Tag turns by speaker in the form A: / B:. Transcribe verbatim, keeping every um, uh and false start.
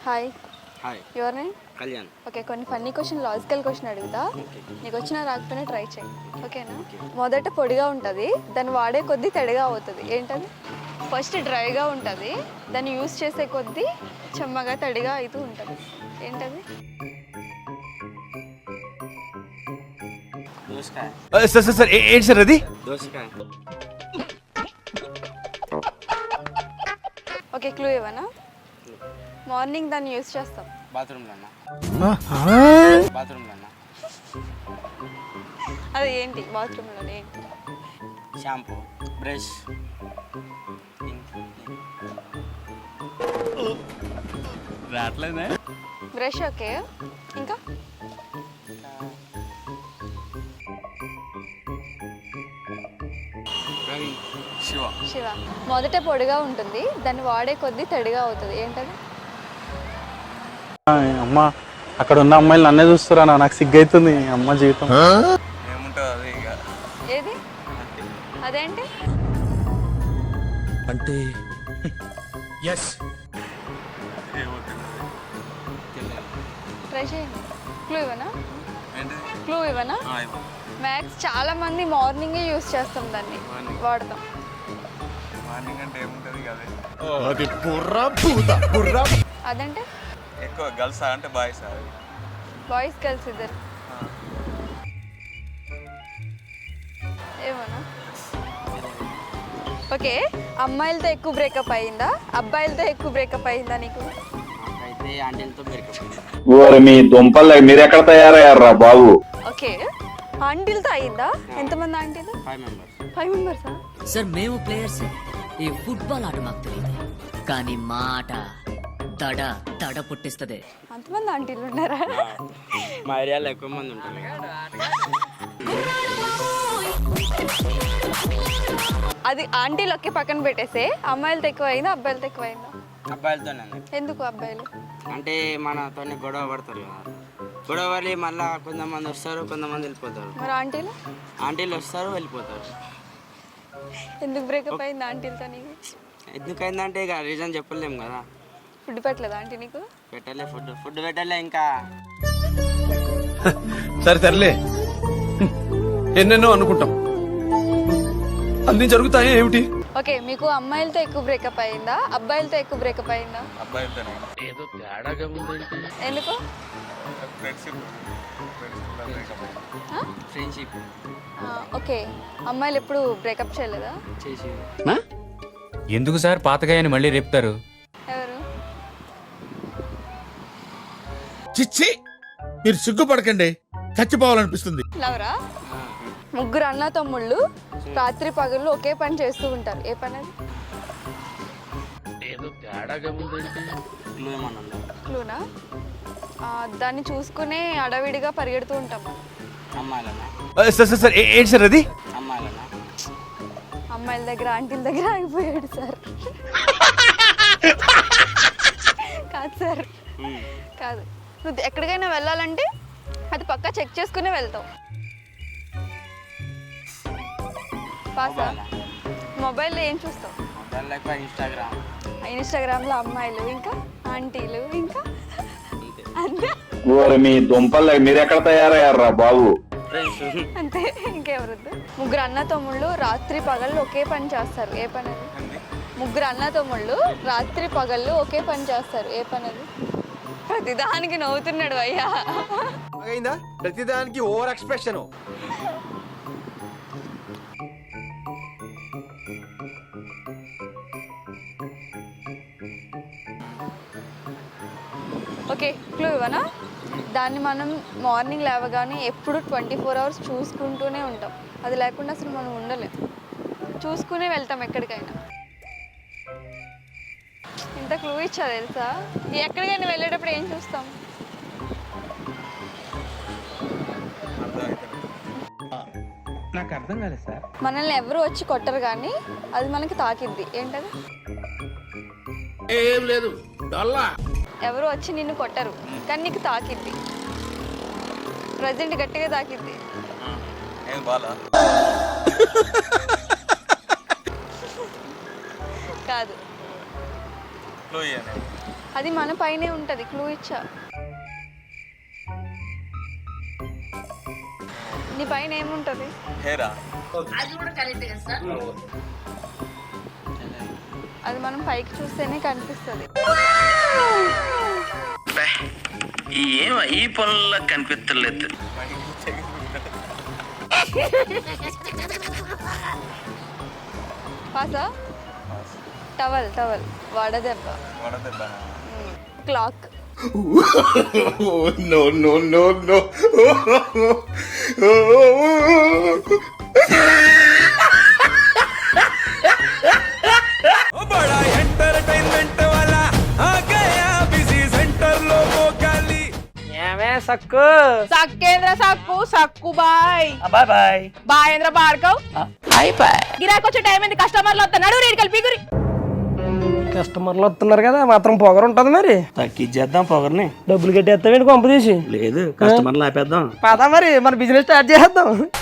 A: Hi.
B: Hi.
A: Your name?
B: Kalyan.
A: Okay, కొన్ని funny question, logical question అడుగుతా. నీకు వచ్చినా రాకపోయినా ట్రై చేయి, ఓకేనా? మొదట పొడిగా ఉంటుంది, దాన్ని వాడే కొద్దీ తడిగా అవుతుంది, ఏంటది? ఫస్ట్ డ్రైగా ఉంటుంది, దాన్ని యూస్ చేసే కొద్దీ చెమ్మగా తడిగా అవుతూ ఉంటుంది, ఏంటది?
B: దోసకాయ.
C: సార్ సార్ సార్ ఏంటి సార్ అది?
B: దోసకాయ.
A: ఓకే, క్లూ ఇవ్వనా? మార్నింగ్ దాన్ని యూస్ చేస్తాం.
B: బాత్రూంలో అన్న. బాత్రూంలో అన్న.
A: అది ఏంటి? బాత్రూంలోనే ఏంటి?
B: Shampoo, brush.
C: రావట్లేదే
A: బ్రష్. ఓకే, ఇంకా?
B: శివ.
A: శివ. మొదట పొడిగా ఉంటుంది, దాన్ని వాడే కొద్దీ తడిగా అవుతుంది, ఏంటది?
D: అమ్మ, అక్కడ ఉన్న అమ్మాయిలు నన్నే చూస్తురా, నాకు సిగ్గైతుంది అమ్మ జీవితం.
B: ఏముంటుంది ఇక?
A: ఏది? అదేంటి?
C: అంటే ఎస్
A: ట్రై చేయండి. క్లూ ఇవ్వనా? క్లూ ఇవ్వనా? మ్యాక్స్ చాలా మంది మార్నింగే యూస్ చేస్తాం, దాన్ని వాడతాం.
B: మార్నింగ్ అంటే ఏముంటుంది కదా?
C: అది బుర్రా భూత బుర్రా.
A: అదంటే
B: ఎక్కువ గర్ల్స్ అంటే బాయ్స్?
A: బాయ్స్ గర్ల్స్ ఇద్దరు. ఏమోనా? ఓకే, అమ్మాయిలతో ఎక్కువ బ్రేకప్ అయ్యిందా, అబ్బాయిలతో ఎక్కువ బ్రేకప్ అయ్యిందా నీకు?
B: అయితే ఆంటీలతో బ్రేకప్.
E: మీ దుంపలు మీరెక్కడ తయారయ్యారా బాబు?
A: ఓకే, ఆంటీలతో అయ్యిందా? ఎంతమంది ఆంటీలు?
B: Five members.
A: ఫైవ్ మెంబర్సా?
F: సార్ మేము ప్లేయర్స్. ఈ ఫుట్బాల్ ఆట మాకు తెలియదు, కానీ మా ఆట దడ దడ పుట్టిస్తుంది.
A: అంతమంది ఆంటీలు ఉన్నారా?
B: మా ఏరియాలో ఎక్కువ మంది ఉంటారు.
A: అది ఆంటీలు ఒకే పక్కన పెట్టేసే, అమ్మాయిలతో ఎక్కువ అయిందా, అబ్బాయిలతో ఎక్కువ అయిందా?
B: అబ్బాయిలతోనే.
A: ఎందుకు అబ్బాయిలు?
B: అంటే మనతో గొడవ పడతారు కదా, గొడవ పడి మళ్ళీ కొంతమంది వస్తారు, కొంతమంది వెళ్ళిపోతారు.
A: మరి ఆంటీలు?
B: ఆంటీలు వస్తారు, వెళ్ళిపోతారు.
A: ఎందుకు బ్రేకప్ అయింది ఆంటీలతో నీకు?
B: ఎందుకైందంటే ఇక రీజన్ చెప్పలేము కదా.
A: ఫుడ్ పెట్టలేదా ఆంటీ నీకు?
B: పెట్టలే, ఫుడ్ ఫుడ్ పెట్టలే ఇంకా.
C: సరే సర్లే, ఎన్నెన్నో అనుకుంటాం, అన్ని జరుగుతాయి ఏమిటి?
A: ఓకే, మీకు అమ్మాయిలతో ఎక్కువ బ్రేకప్ అయిందా, అబ్బాయిలతో ఎక్కువ బ్రేకప్ అయిందా?
B: అబ్బాయిలతోనే.
C: ఏదో తేడాగా ఉందంటే.
A: ఎందుకు?
B: ఫ్రెండ్షిప్.
A: ఓకే, అమ్మాయిలు ఎప్పుడు బ్రేకప్ చేయలేదా?
B: చేసి.
G: ఎందుకు సార్ పాతగాయని మళ్ళీ రేపుతారు?
A: ఎవరు?
H: చిచ్చి, మీరు సిగ్గుపడకండి, చచ్చిపోవాలనిపిస్తుంది.
A: లవరా? ముగ్గురు అన్న తమ్ముళ్ళు రాత్రి పగళ్ళు ఒకే పని చేస్తూ ఉంటారు, ఏ పని అది?
C: ఏదో తేడాగా ఉందంటే.
B: క్లూ ఏమన్నా ఉందా?
A: క్లూనా? దాన్ని చూసుకునే అడవిడిగా పరిగెడుతూ ఉంటాం.
B: అమ్మాయిలనా?
C: సార్ సార్ సార్ ఏంటి సార్ అది?
B: అమ్మాయిలనా?
A: అమ్మాయిల దగ్గర ఆంటీల దగ్గర ఆగిపోయాడు సార్. కాదు సార్, కాదు. నువ్వు ఎక్కడికైనా వెళ్ళాలంటే అది పక్కా చెక్ చేసుకునే వెళ్తావు. పాసా? మొబైల్లో ఏం చూస్తావు?
B: మొబైల్ ఎక్కువ ఇన్స్టాగ్రామ్.
A: ఇన్స్టాగ్రామ్లో అమ్మాయిలు, ఇంకా ఆంటీలు, ఇంకా అంతే.
E: మీ దుంపలు మీరెక్కడ తయారయ్యారా బాబు?
A: అంతే, ఇంకెవరొద్దు. ముగ్గురు అన్న తమ్ముళ్ళు రాత్రి పగళ్ళు ఒకే పని చేస్తారు, ఏ పని అది? ముగ్గురు అన్న తమ్ముళ్ళు రాత్రి పగళ్ళు ఒకే పని చేస్తారు, ఏ పని అది? ప్రతిదానికి నవ్వుతున్నాడు అయ్యా.
C: అయిందా? ప్రతిదానికి ఓవర్ ఎక్స్ప్రెషన్.
A: ఓకే, క్లూ ఇవ్వనా? దాన్ని మనం మార్నింగ్ లేవగానే ఎప్పుడు ట్వంటీ ఫోర్ అవర్స్ చూసుకుంటూనే ఉంటాం, అది లేకుండా అసలు మనం ఉండలేం, చూసుకునే వెళ్తాం ఎక్కడికైనా. ఇంత క్లూ ఇచ్చా తెలుసా? ఎక్కడికైనా వెళ్ళేటప్పుడు ఏం చూస్తాం?
D: నాకు అర్థం కాలేదు సార్.
A: మనల్ని ఎవరు వచ్చి కొట్టరు కానీ అది మనకి తాకిద్ది, ఏంటది?
H: ఏం లేదు,
A: ఎవరు వచ్చి నిన్ను కొట్టరు కానీ నీకు తాకిద్ది, ప్రజెంట్ గట్టిగా తాకిద్ది. కాదు. అది మన పైనే ఉంటుంది, క్లూ ఇచ్చా. నీ పైన ఏముంటుంది? అది మనం పైకి చూస్తేనే కనిపిస్తుంది.
E: ఏం ఈ పనుల్లో కనిపించలేదు.
A: పాసా? టవల్ టవల్ వడదెబ్బ. Clock.
H: No no no no
I: సక్కు సక్కేంద్ర సక్కు సక్కు బాయ్ బాయ్ బాయ్ బాయేంద్ర భార్గవ్ బాయ్ బాయ్. గిరాకి వచ్చే టైం ఏంది? కస్టమర్లు వస్తున్నాడు, రేటు కలిపి గురి. కస్టమర్లు వస్తున్నారు కదా, మాత్రం పొగరు ఉంటది. మరి
B: తగ్గించేద్దాం పొగర్ని.
I: డబ్బులు కట్టేస్తావేంటి కొంప తీసి?
B: లేదు, కస్టమర్లు ఆపేద్దాం.
I: పదా మరి మన బిజినెస్ స్టార్ట్ చేద్దాం.